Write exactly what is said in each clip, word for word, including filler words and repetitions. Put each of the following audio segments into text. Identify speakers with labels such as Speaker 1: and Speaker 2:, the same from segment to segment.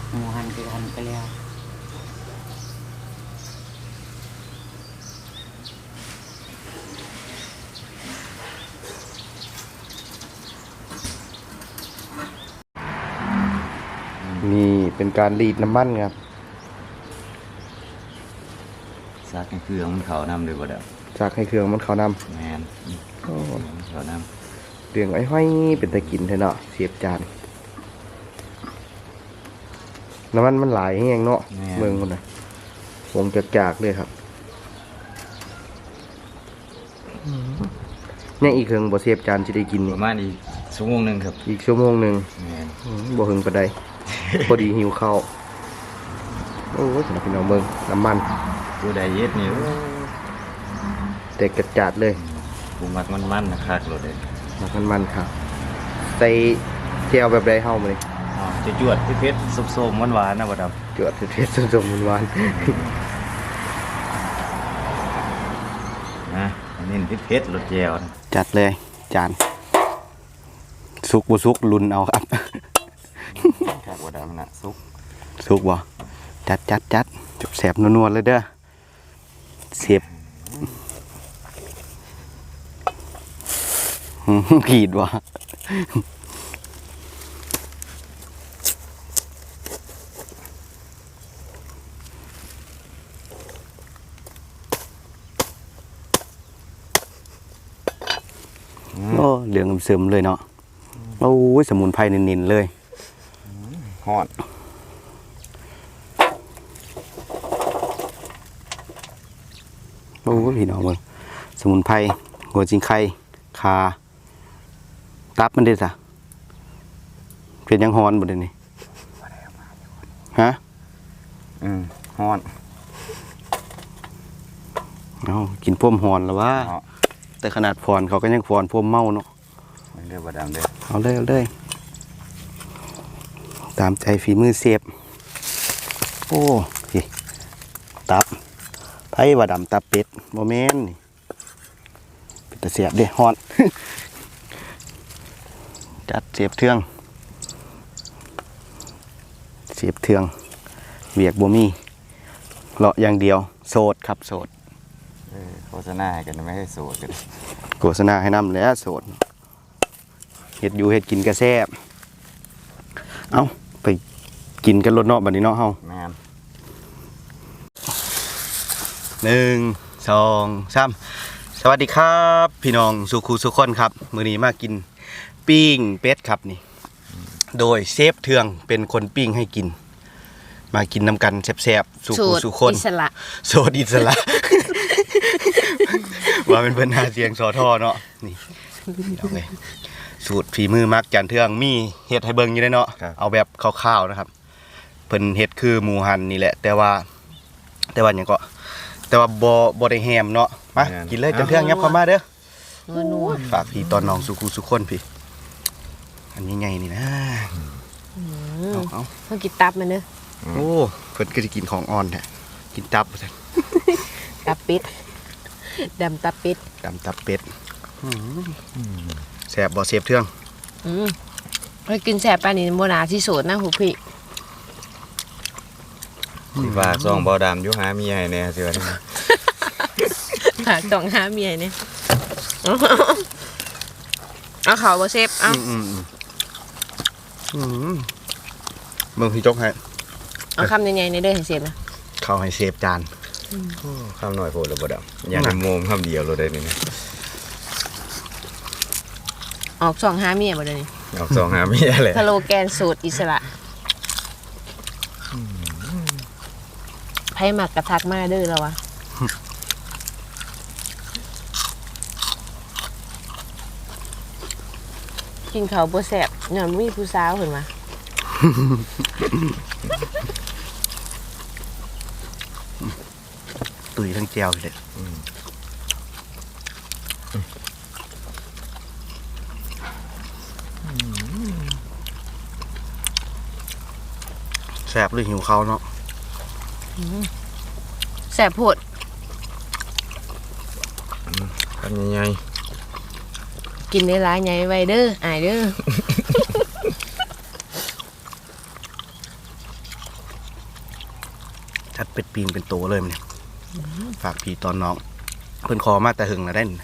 Speaker 1: หมูหันคือหันไปแล้ว
Speaker 2: นี่เป็นการรีดน้ำมันครับ
Speaker 3: ซักให้เครื่องมันเขานำเลยบ่เด้อ
Speaker 2: จากให้เครื่องมันเขานำ
Speaker 3: แมนเขาน
Speaker 2: ำเรื่องไอ้ห้อยเป็นตะกินเถอะเนาะเสียบจานน้ำมันมันหลายแห้งเนาะเมืองคนน่ะวงจากจากเลยครับเนี่ยอีกเครื่องบ่เสียบจานจะได้กิน
Speaker 3: ป
Speaker 2: นี่
Speaker 3: ระมาณอีกชั่วโมงหนึงครับ
Speaker 2: อีกชั่วโมงหนึ่งบ่หึงปานใด พอดีหิวข้าวโอ้ยสำหรับพี่น้องเมืองน้ำมัน
Speaker 3: ผู้ใดเย็ดนี่
Speaker 2: แต่กระจาดเลย
Speaker 3: ผู้มักมันๆนะครับรถเด้
Speaker 2: มักมันๆครับใส่แก้วแบบใดเฮามาเลย
Speaker 3: อ๋อจะจวดเผ็ดๆส้มๆหวานๆนะบ่ดำ
Speaker 2: จวดเผ็ดๆส้มๆหวาน
Speaker 3: นะอันนี้เผ็ดๆรสแจ่ว
Speaker 2: จัดเลยจานสุกบ่สุกลุ้นเอาครับ
Speaker 3: ครับบ่ดำนะสุก
Speaker 2: สุกบ่จัดจัดจัดจุบแสบนัวๆเลยเด้อเสียบขีดว่ะโอ้เหลืองซึมเลยเนาะโอ้ยสมุนไพรเนินๆเลย
Speaker 3: ฮอด
Speaker 2: โอ้พี่น้องมึงสมุนไพรหัวจิงไข่คาตับมันได้ซะเป็นยังฮอนบ่ได้นี่ฮะ
Speaker 3: อืมฮอน
Speaker 2: เอากินพ่มฮอนแล้วว่าแต่ขนาดพรเขาก็ยังพรพ่มเมาเนาะ
Speaker 3: เด้อบ่ดำเด้อ
Speaker 2: เอาเลยเอาเลยตามใจฝีมือเสียบโอ้ยตับไผ่ว่าดำตับเป็ดโมเมนต์เป็นตะเสียบเด้ฮอน จัดเสียบเทืองเสียบเทืองเวียกบ่มีเลาะอย่างเดียวโสดครับโสด
Speaker 3: โฆษณาให้กันไม่ให้โสดกัน
Speaker 2: โฆษณาให้นำแล้วโสดเฮ็ดอยู่เฮ็ดกินกระแซบเอาไปกินกันรถเนาะบัดนี้เนาะเฮา
Speaker 3: แม่น
Speaker 2: หนึ่งสองสามสวัสดีครับพี่น้องสุขุสุขคนครับมื้อนี้มากินปิ้งเป็ดครับนี่โดยเชฟเทืองเป็นคนปิ้งให้กินมากินน้ำกันแซ่บๆสุขุสุขคน
Speaker 4: อิสระ
Speaker 2: โสดอิสระ ว่าเป็นเพิ่นหาเสียงสอทอเนาะนี่เอาเลยสูตรฝีมือมักจันเทืองมีเฮ็ดให้เบิ่งอยู่ได้เนาะเอาแบบคร่าวๆนะครับเพิ่นเฮ็ดคือหมูหันนี่แหละแต่ว่าแต่ว่าหยังก็แต่ว่าบ่บ่ได้แฮมเนาะมากินเลยจันเทืองยับเข้ามาเด้อนัวฝากพี่ตอนน้องสุขุสุขคนพี่อันนี้ไงนี่นะเอาเอา
Speaker 4: เพิ่นกินตับมันเด้อ
Speaker 2: โอ้เพิ่นก็สิกินของอ่อนแท้กินตับซั่น
Speaker 4: ตับเป็ดดำตับเป็ด
Speaker 2: ดำตับเป็ดแซ่บบ่เสียบเทือง
Speaker 4: อืมเฮ้ยกินแซ่บปานนี้บ่น่าสิโสดนะหูพี่
Speaker 3: สิฝากซองบ่ดำอยู่หาเมียให้แน่สิว่า
Speaker 4: ฝากต้องหาเมียเนี่ยเอาเขาบ่เซฟเอา
Speaker 2: อืมอืมมึงพี่จกให้
Speaker 4: เอาคำใหญ่ๆในเด้อให้เซฟนะ
Speaker 2: เข้าให้เซฟจาน
Speaker 3: คำหน่อยโพดแล้วบ่ดำอย่างโมมคำเดียวเราได้นี่
Speaker 4: ออกสองหาเมียบ่ได้นี่
Speaker 3: ออกสองหาเมียแหละ
Speaker 4: สโลแกนสูตรอิสระไผมักกระทักมาเด้อแล้ววะกินข้าวบ่แซ่บย้อนมีผู้สาวเพิ่นว่า
Speaker 2: ตุยทั้งแจวเลยแซ่บหรือหิวเขาเนาะ
Speaker 4: แซ่บโพด
Speaker 3: ทำยังไง
Speaker 4: กินได้หลายใหญ่ไว้เด้ออายเด้อ
Speaker 2: คัดเป็ดปีนเป็นโตเลยมันเนี่ยฝากพี่ตอนน้องเพิ่นคอมาแต่หึงแล้วได้น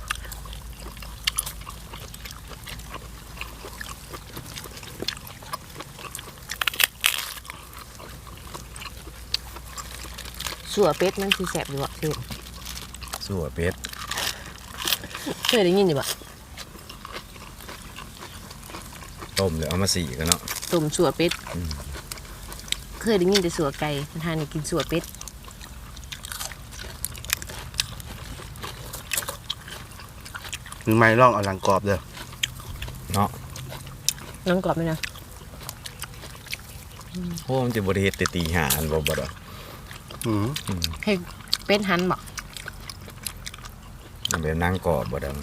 Speaker 4: สัวเป็ดมันสิแซ่บอยู่บ่คือ
Speaker 3: สัวเป็ด
Speaker 4: เคยได้ยินอยู่บ่
Speaker 3: ต้มแล้วเอามาสีกันเนาะ
Speaker 4: ต้มสัวเป็ดเคยได้ยินแต่สัวไก่ทานนี่กินสัวเป็ด
Speaker 2: หรือไม่ลองเอาหลังกรอบเด้อ
Speaker 3: เนาะ
Speaker 4: น้องกรอบไหมนะ
Speaker 3: โอ้มันจะบริเฮ็ดแต่ตีหาอันบ่บ่ดอก
Speaker 2: อืม
Speaker 4: ให้เป็ดหันบ่
Speaker 3: มันเป็นนางกรอบบ่ดอก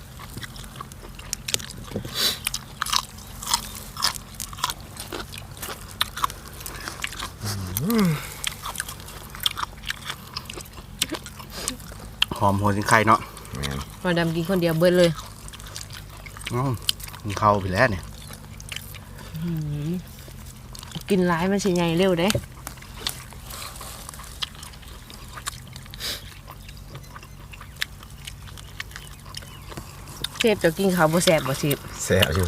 Speaker 2: หอมหัวสิงไข่เนาะ
Speaker 3: แม่น
Speaker 4: มาดำกินคนเดียวเบิดเลย
Speaker 2: อืมกินข้าวไปแล้วเนี่ย
Speaker 4: กินร้ายมันสิใหญ่เร็วเด้เชฟจะกินข้าวบ่แซ่บบ่สิ
Speaker 3: แซ่บอยู่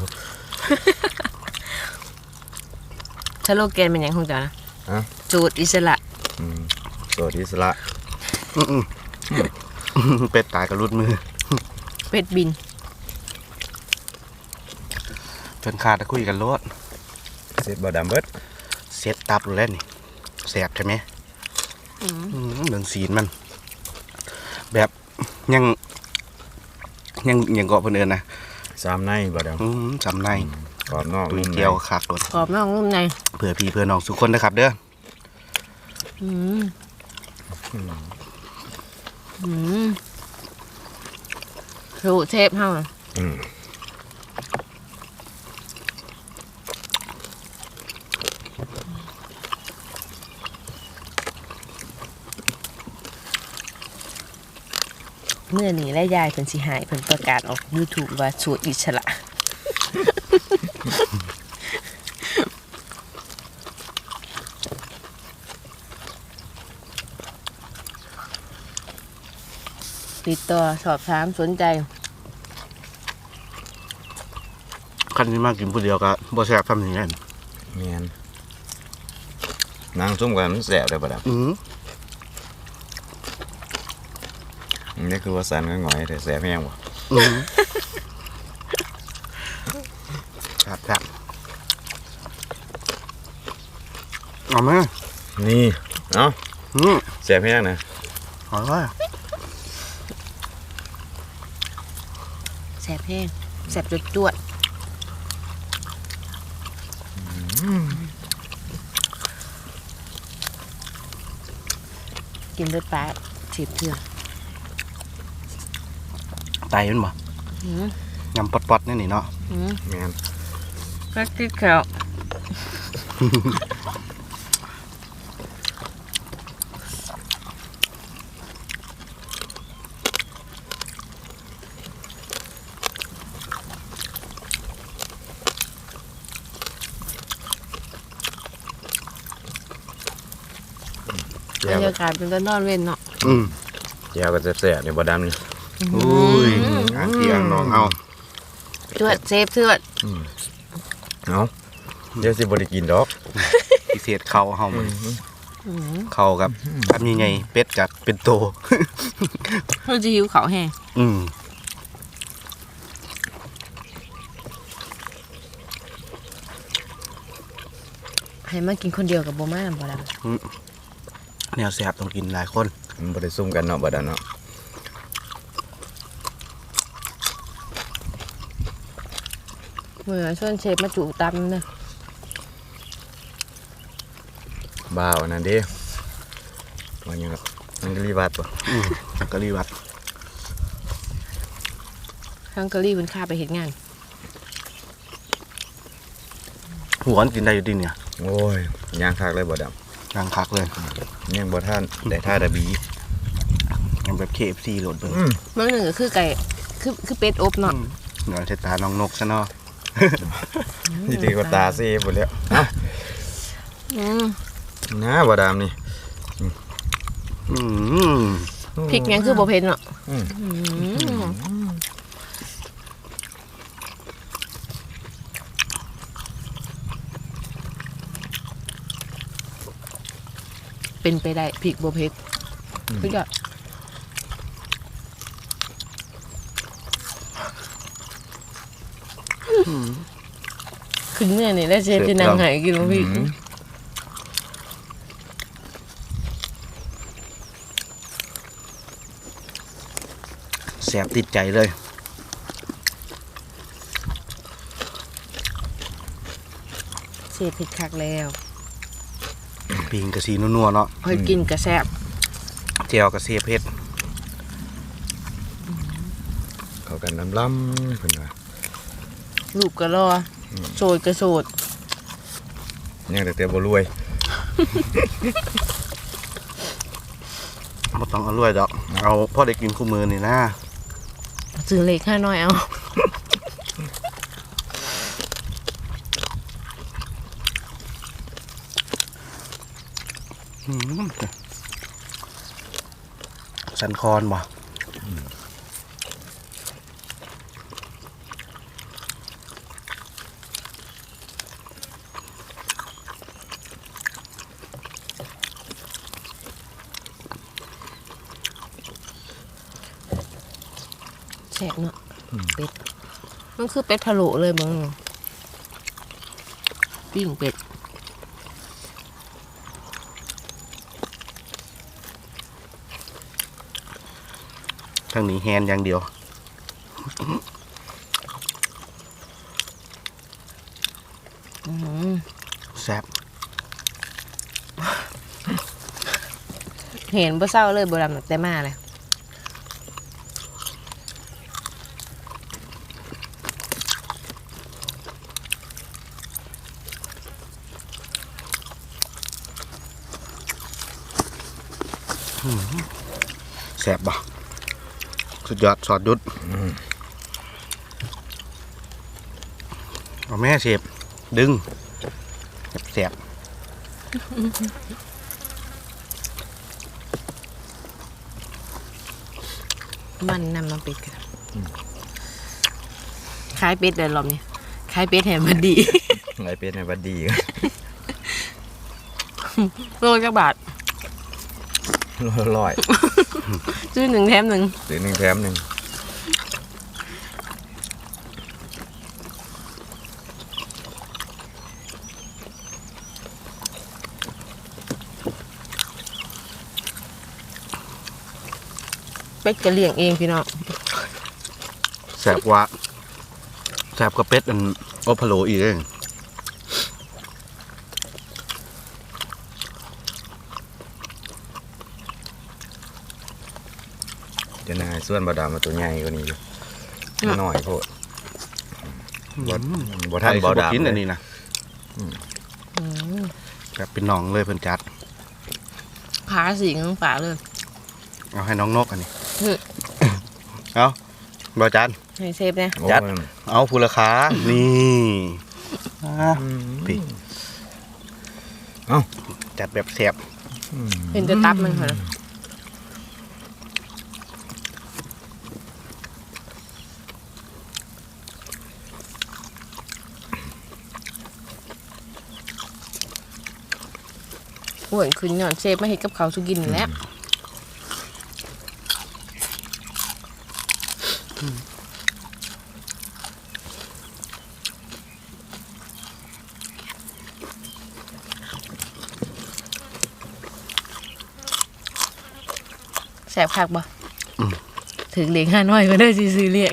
Speaker 4: สโลแกนเป็นหยังของเจ้านะ
Speaker 3: ฮะ
Speaker 4: จูดอิสระ
Speaker 3: อืมสวัสดีสละ
Speaker 2: อืมๆ เป็ดตายกับรุดมือ
Speaker 4: เป็ดบิน
Speaker 2: เพิ่นขาดตะคุยกันโลด
Speaker 3: เสร็จบ่ดำเบิด
Speaker 2: เซตตับแล้วนี่แสบใช่ไหมอืมเรื่องสีนมัน แบบยังยังยังเกาะเพิ่นเอิ้นนะ
Speaker 3: สามในบ่ดำ
Speaker 2: อืมจำใน
Speaker 3: กรอบนอก
Speaker 2: ตุย
Speaker 3: นุ่มใน
Speaker 2: เจียวขากโดด
Speaker 4: กรอบนอกนุ่มใน
Speaker 2: เผื่อพี่เพื่อน้องทุกคนนะครับเด้อ
Speaker 4: อืมอืมสูตรเชฟเฮาน่ะ
Speaker 3: อืม
Speaker 4: เมื่อนี้และยายเพิ่นสิหายเพิ่นประกาศออก YouTube ว่าสูตรอิสระ ติดต่อสอบถามสนใจ
Speaker 2: คันที่มากินผู้เดียวก็บ่แซ่บทำอย่างนี้น
Speaker 3: แม่นนางส้มกันมันแซ่บได้บ่ดำ
Speaker 2: อืม
Speaker 3: นี่คือว่าสันก็หงอยแต่แซ่บแห้งบ่
Speaker 2: อืมครับครับเอาไหม
Speaker 3: นี่เอ้า
Speaker 2: อืม
Speaker 3: แซ่บแห้งนะ
Speaker 2: อร่อย
Speaker 4: แสบแห้งแสบจดจวดกินเลือดปลาฉีบเถื่อน
Speaker 2: ไตมันบ่
Speaker 4: อืม
Speaker 2: ยำปอดๆนี่นี่เนาะ
Speaker 4: อืม
Speaker 3: แม่น
Speaker 4: ก็ติดแขว
Speaker 3: แจ่
Speaker 4: บร
Speaker 3: ว
Speaker 4: รยากาศเป็นตะนอนเว้นเนาะ
Speaker 2: อืม
Speaker 3: แจ่วก็แซ่บๆนี่บ่ดำนี่
Speaker 2: อุ้ยอ่างที่อ่างน้องเอา
Speaker 4: จวดเซฟเถื่อน
Speaker 3: เอ้าเดี๋ยวสิบ่ได้กินดอก
Speaker 2: พิเศษเขาเฮามันเขากับทำยังไงเป็ดกับเป็นโต
Speaker 4: เราจะหิวเขาวแห้ง
Speaker 2: อืม
Speaker 4: ให้มากินคนเดียวกับโบมาบ่ด
Speaker 2: แนวแสบต้องกินหลายคน
Speaker 3: มันบ่ได้ซุ่มกันเนาะบ่ดำเนาะ
Speaker 4: ำเหมือนส่วนเชฟมาจุตำนะ
Speaker 3: บ้าวอันนั้นเด้ว่าหยังครับมันก็รีวัดบ่
Speaker 2: อืมกะหรี่วัด
Speaker 4: ทั้งกะรี่เป็นค่าไปเห็นงาน
Speaker 2: หัวมันกินได้อยู่ดีเนี่ย
Speaker 3: โอ้ยย่างคักเลยบ่ด
Speaker 2: นางคักเลย
Speaker 3: ำยังบ่ท่านได้ท่าดะบี
Speaker 2: ยังแบบ เค เอฟ ซี โหลดเบิ่ง
Speaker 4: เมื่อหนึ่งก็คือไก่คือคือเป็ดอบเนาะ
Speaker 2: เดี๋ยวใช้ตาน้องนกซะเนาะ
Speaker 3: นี่ดีกว่าตาซีบ่แล้วเอ้า
Speaker 4: อืม
Speaker 3: นะบ่ดำนี่
Speaker 2: อืม
Speaker 4: พริกยังคือบ่เผ็ดเนาะ
Speaker 3: อืม
Speaker 4: อืมเป็นไปได้พริกบ่เผ็ดคือก็ขึ้นเมื่อนี่แล้วเชฟจะนั่งใหายกินบ่พริก
Speaker 2: แสบติดใจเลย
Speaker 4: เชฟเผ็ดคักแล้ว
Speaker 2: ปิงกระสีนัวๆเนาะ
Speaker 4: เฮ้ยกินกระแซบ
Speaker 2: เจียวกระเสียเผ็ด
Speaker 3: เข้ากันน้ำล้ำเพิ่นว่า
Speaker 4: ลูกก็รอโสดก็โสด
Speaker 3: ยังแต่เตียวบ่รวย
Speaker 2: บ่ต้องเอารวยดอก เอาพ่อได้กินคู่มือนี่นะ
Speaker 4: ซื้อเล็กห้าน้อยเอา
Speaker 2: อืมสันคอนบ่
Speaker 4: แซ่บเนาะเป็ดมันคือเป็ดพะโล้เลยมึงปิ้งเป็ด
Speaker 2: ทางนี้แฮนอย่างเดียว
Speaker 4: อืม
Speaker 2: แซ่บ
Speaker 4: เห็นบ่เศร้าเลยบ่ดำแต่มาเลย
Speaker 2: แซ่บบ่สุดยอดสอดดุดเอาแม่เสียบดึงแซ่บ
Speaker 4: มันนำมาเป็ดกันขายเป็ดเดินรอบนี้ขายเป็ดแถมมันดี
Speaker 3: ไงเป็ดในบัดดี
Speaker 4: โลจักบาท
Speaker 3: ร้อย
Speaker 4: ซื้อหนึ่งแถมหนึ่ง
Speaker 3: หรือหนึ่งแถมหนึ่ง
Speaker 4: เป็ดก็เลี้ยงเองพี่น้อง
Speaker 2: แซ่บกว่าแซ่บกว่าเป็ดอันโอพะโลอีกเอง
Speaker 3: จะนายส่วนบดามาตัวใหญ่กว่านี้อยู่หน่อยโพดบ่บ่ทันบ่ดา
Speaker 2: กินอัน
Speaker 3: เลย
Speaker 2: นี้นะแบบเป็นหนองเลยเพิ่นจัด
Speaker 4: ขาสีเงินฝาเลย
Speaker 2: เอาให้น้องนกอันนี้
Speaker 4: อืม
Speaker 2: เอาบอจัน
Speaker 4: ให้เซฟนะ
Speaker 3: โอ้
Speaker 2: จัด
Speaker 3: ย
Speaker 2: เอาผู้ราคานี่พี่
Speaker 3: เอ้า
Speaker 2: จัดแบบแซ่บ
Speaker 4: เห็นจะตับมันเหรอโอ้ยคืนหย่อนเซฟมาเห็ดกับเขาวสุกินแล้วแสบคักบ่ถึงเลี้ยงห้าน้อยก็ได้ซื้อเลี้ยง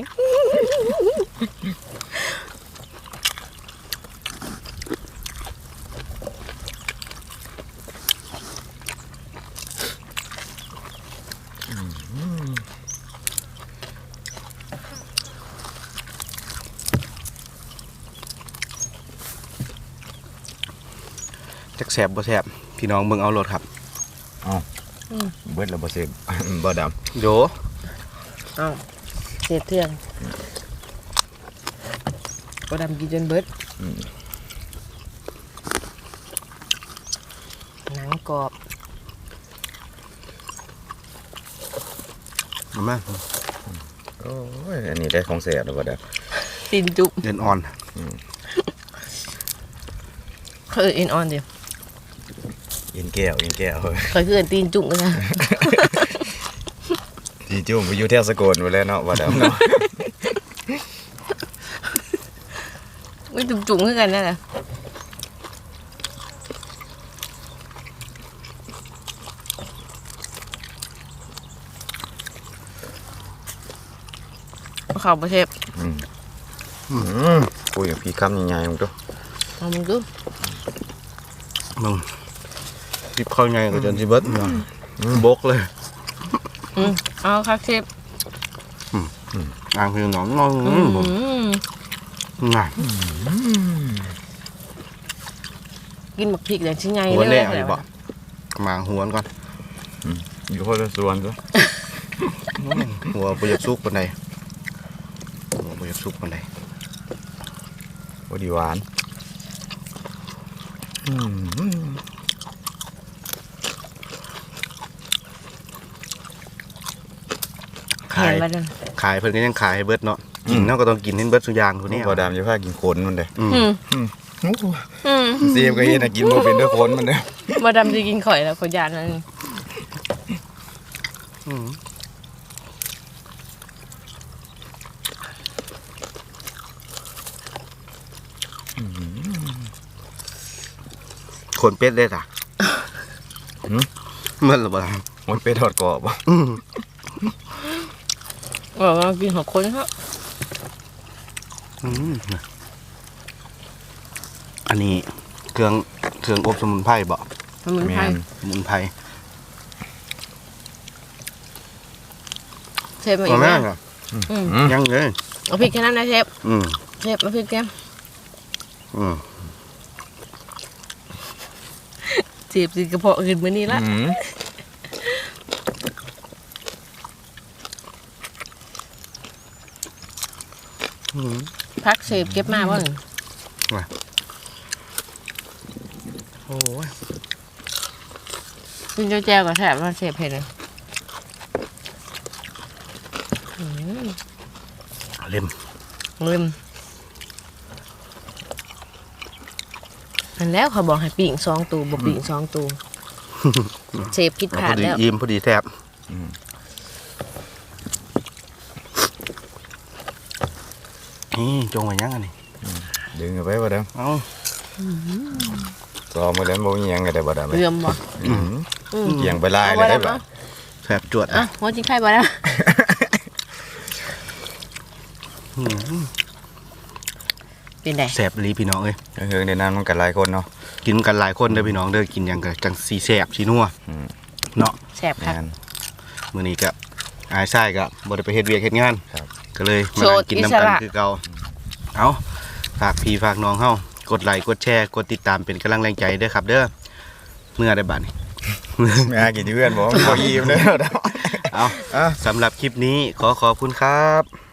Speaker 2: จักแซ่บบ่แซ่บพี่น้องเบิ่งเอาโลดครับ
Speaker 3: เบิดแล้วบ่เสพ บ่ด
Speaker 2: โย
Speaker 4: อ้าวเสียเทื่อนก็ดำกินจนเบิดหนังกรอบ
Speaker 2: ไหม
Speaker 3: โอ้ยอันนี้ได้ของแสบแล้วบ่ดา
Speaker 4: ตีนจุก
Speaker 2: เดินอ่อน
Speaker 4: เขาเอิ้นเอ็นออนเดียว
Speaker 3: เอ็นแก้วเอ็นแก้วเฮ้ย
Speaker 4: เขาคือเอิ้นตีนจุกกันนะ
Speaker 3: จีจุ่มไปอยู่แถวสกลไปแล้วเนาะบ่ดาเนาะ
Speaker 4: ไม่จุกจุกคือกันนั่นแหละข้าวประเทศ
Speaker 3: อืมอืมคุยกับพี่คำใหญ่ๆมึงตัว
Speaker 4: เอามึงดู
Speaker 2: มึงจิบข้าวไงก็จนสิเบิดเนาะบกเลย
Speaker 4: อืมเอาครับเชฟ
Speaker 2: อ่างเพียงหนองงอง
Speaker 4: อืม
Speaker 2: ง่าย
Speaker 4: กินหมักพริกอย่างชิ้นใหญ่
Speaker 2: หัว
Speaker 4: เล
Speaker 2: แน่
Speaker 4: ย
Speaker 2: เอาอยู่บ่หมางหัวก่อน
Speaker 3: อยู่คนละส่วนตัว
Speaker 2: หัวบ่อยากสุกปานใดหัวบ่อยากสุกปานใด
Speaker 3: พอดีหวานอืม
Speaker 4: แข็งไปเลย
Speaker 2: ขายเพิ่นก็ยังขายให้เบิดเนาะกินเนาะก็ต้องกินให้เบิดทุกอย่างทุก
Speaker 3: นี่
Speaker 2: นี้
Speaker 3: บ่ดามจะพากินขนมันเด้
Speaker 2: อืม
Speaker 4: อืม
Speaker 3: โอ้โห
Speaker 4: อืม
Speaker 3: เสียบก็เห็นน่ะกินบ่เป็นด้วยขนมันเด้
Speaker 4: มาดำจะกินข่อยแล้วขอยยานนั่น
Speaker 2: อืมคนเป็ดได้จ้ะเมื่อหรือเปล่า
Speaker 3: มันเป็ดทอดกรอบบ่
Speaker 2: อืม
Speaker 4: บอกว่ากินหัวคนครับ
Speaker 2: อืมอันนี้เครื่องเครื่องอบสมุนไพรบ่
Speaker 4: มันเหมือนไทย
Speaker 2: สมุนไพร
Speaker 4: เชฟมาอี
Speaker 2: ก็
Speaker 4: ก
Speaker 2: แม่
Speaker 4: แล้ว
Speaker 2: งอ่ะ
Speaker 4: อืม
Speaker 2: ยังเลย
Speaker 4: เอาพริกแค่นั้นนะเชฟ
Speaker 2: อืม
Speaker 4: เชฟมาพริกแก้ม
Speaker 2: อืม
Speaker 4: เจ็บสิกระเพาะขึ้นมานี่ละ
Speaker 3: อืม
Speaker 2: อืม
Speaker 4: พักเชฟเก็บมาบ้าง
Speaker 2: โอ้ย
Speaker 4: กินเจ้าแจวกับแถบมาเชฟเห็นเลยอืม
Speaker 2: เล่ม
Speaker 4: ลืมอันแล้วเขาบอกให้ปีงสองตูบอกปีงสองตูเชฟคิด
Speaker 2: พ
Speaker 4: ขา
Speaker 2: อ
Speaker 4: ด
Speaker 2: ดี
Speaker 4: แล้ว
Speaker 2: อิ่มพอดีแซ่บนี่จงไว้ยังอันนี้
Speaker 3: ดึงเอาไปบ่ดาม
Speaker 2: เอ้า
Speaker 3: ซ้อมมาแล้วบ่มีหยังก็ได้บ่ดาม
Speaker 4: เรื่อมบ่
Speaker 3: อืมเกี่ยงไปลายเลยได้บ่
Speaker 2: แซ่บจวด
Speaker 4: อ่ะ
Speaker 2: นะ
Speaker 4: หัวจิ้งไข่บ่แล้ว
Speaker 2: อืม
Speaker 4: เป็นไง
Speaker 2: แซ่บอีหลีพี่น้องเอ้ย
Speaker 3: เฮืองในนั้นมันก็หลายคนเนาะ
Speaker 2: กินกันหลายคนเด้อพี่น้องเด้อกินหยังก็จังสีแซ่บสีนัว
Speaker 3: อืม
Speaker 2: เนาะ
Speaker 4: แซ่บครับ
Speaker 3: งาน
Speaker 2: มื้อนี้ก็อายชายก็บ่ได้ไปเฮ็ดเวียกเฮ็ดงาน
Speaker 3: ครับ
Speaker 2: ก็เลยมา
Speaker 4: โส
Speaker 2: นั่
Speaker 4: ด
Speaker 2: งกิน
Speaker 4: อิ
Speaker 2: น้ำ
Speaker 4: ส
Speaker 2: กัน
Speaker 4: ระ
Speaker 2: คือเก่าเอาฝากพี่ฝากน้องเฮากดไลค์กดแชร์กดติดตามเป็นกำลังแรงใจเด้อครับเด้อเมื่อได้บัดนี้
Speaker 3: แม่กินที่เพื่อนบอกว่าบ่อิ่มเด้อดาม
Speaker 2: เอา
Speaker 3: อ่ะ
Speaker 2: สำหรับคลิปนี้ขอขอบคุณครับ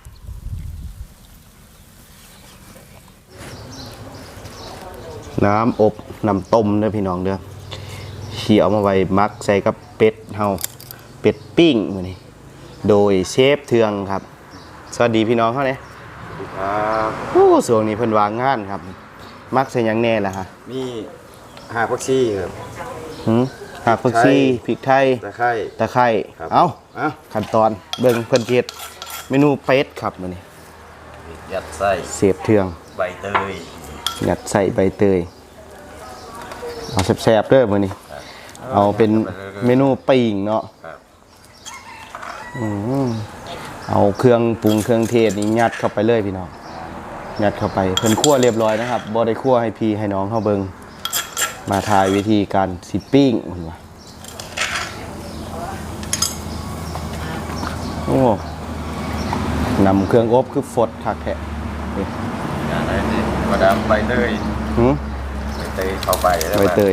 Speaker 2: น้ำอบน้ำต้มเด้อพี่น้องเด้อเขี่ยเอามาไว้มักใส่กับเป็ดเฮาเป็ดปิ้งมื้อนี้โดยเชฟเทืองครับ สวัสดีพี่น้องเฮาเด้
Speaker 3: ครับ
Speaker 2: โอ้ส่วนนี้เพิ่นวางงานครับ มักใส่หยังแน่ล่ะฮะ
Speaker 3: มีหาผักชีครับ
Speaker 2: หืมหากผักชีพริกไทย
Speaker 3: ตะไคร้
Speaker 2: ตะไคร้
Speaker 3: ครับ
Speaker 2: เอ้า
Speaker 3: อ่ะ
Speaker 2: ขั้นตอนเบิ่งเพิ่นเฮ็ดเมนูเป็ดครับมื้อนี้
Speaker 3: ยัดไส้
Speaker 2: เชฟเทือง
Speaker 3: ใบเตย
Speaker 2: ยัดใส่ใบเตย เอาแซ่บๆเด้อมื้อนี้ เอาเป็นเมนูปิ้งเนาะ
Speaker 3: ครับ
Speaker 2: อืมเอาเครื่องปรุงเครื่องเทศนี่ยัดเข้าไปเลยพี่น้อง ยัดเข้าไปเพิ่นคั่วเรียบร้อยนะครับบ่ได้คั่วให้พี่ให้น้องเฮาเบิ่งมาถ่ายวิธีการสิปิ้งเพิ่นว่าโอ้นำเครื่องอบคือฟดคักแท้นี่
Speaker 3: อย่างไรนี่บ่ดามใบเตย
Speaker 2: หืม
Speaker 3: ใบเตยเข้าไปแล้ว
Speaker 2: ใบเตย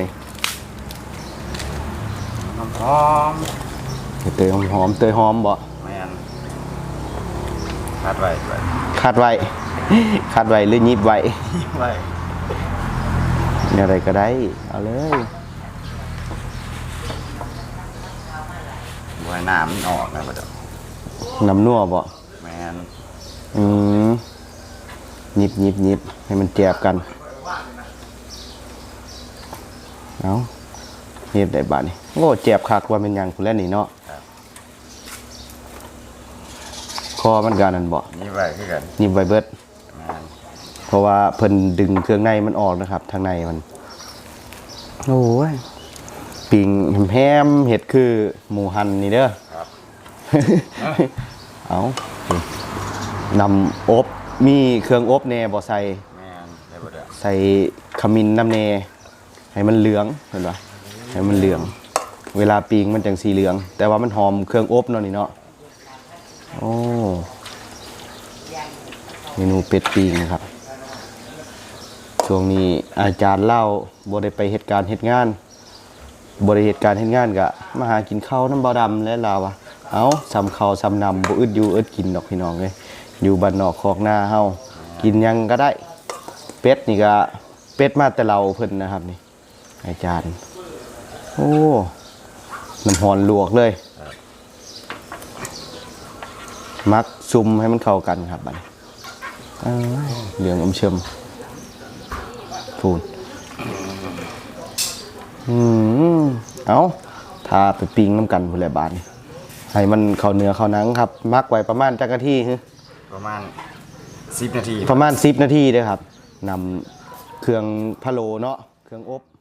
Speaker 3: หอม
Speaker 2: ใบเตยหอมๆเตยหอมบ่
Speaker 3: แม่นคาดไว้ไว้
Speaker 2: คาดไว้ คาดไว้หรือยิบไว้
Speaker 3: ไว้
Speaker 2: อะไรก็ได้ เอาเลย
Speaker 3: บ่ให้น้ำมันออกนะบ่ดาม
Speaker 2: น้ำนัวบ่
Speaker 3: แมน
Speaker 2: อืมหยิบหยิบหยิบให้มันแจบกันเอาเฮ็ดได้บาดนี่โอ้แจบคักว่าเป็นหยังพุ่นแล้วนี่เนาะคอมันกันนั่นบ่
Speaker 3: นี่ไว้คือกัน
Speaker 2: หยิบไว้เบิด
Speaker 3: แมน
Speaker 2: เพราะว่าเพิ่นดึงเครื่องในมันออกนะครับ ทางในมัน โอ้ยปิงแฮมเห็ดคือหมูหันนี่เด้อ
Speaker 3: ครับ
Speaker 2: เอานำอบมีเครื่องอบแหน่บ่ใส่
Speaker 3: แมนได้บ่ได้
Speaker 2: ใส่ขมิ้นน้ำแหน่ให้มันเหลืองเห็นปะให้มันเหลือง เวลาปิงมันจังสีเหลือง แต่ว่ามันหอมเครื่องอบเนาะนี่เนาะโอ้เมนูเป็ดปิงนะครับ ช่วงนี้อาจารย์เล่าบ่ได้ไปเหตุการณ์เหตุงานบ่ได้เหตุการณ์เหตุงานก็มาหากินข้าวน้ำบ่ดำและลาวอะเอาซ้ำข้าวซ้ำนำบ่อึดอยู่อึดกินดอกพี่น้องเอ้ยอยู่บ้านนอกคอกนาเฮากินหยังก็ได้เป็ดนี่ก็เป็ดมาแต่เราเพิ่นนะครับนี่อาจารย์โอ้น้ำหอนลวกเลยมักซุ่มให้มันเข้ากันครับบัดนี้เอ้ยเหลืองอมเชิมพูนอืมเอาทาไปปิ้งน้ำกันพุ่นแหละบาดนี่ให้มันเข้าเนื้อเข้าหนังครับ มักไว้ประมาณจักนาทีฮึ
Speaker 3: ประมาณสิบนาที
Speaker 2: ประมาณสิบนาทีเด้อครับนำเครื่องพะโล้เนาะเครื่องอบ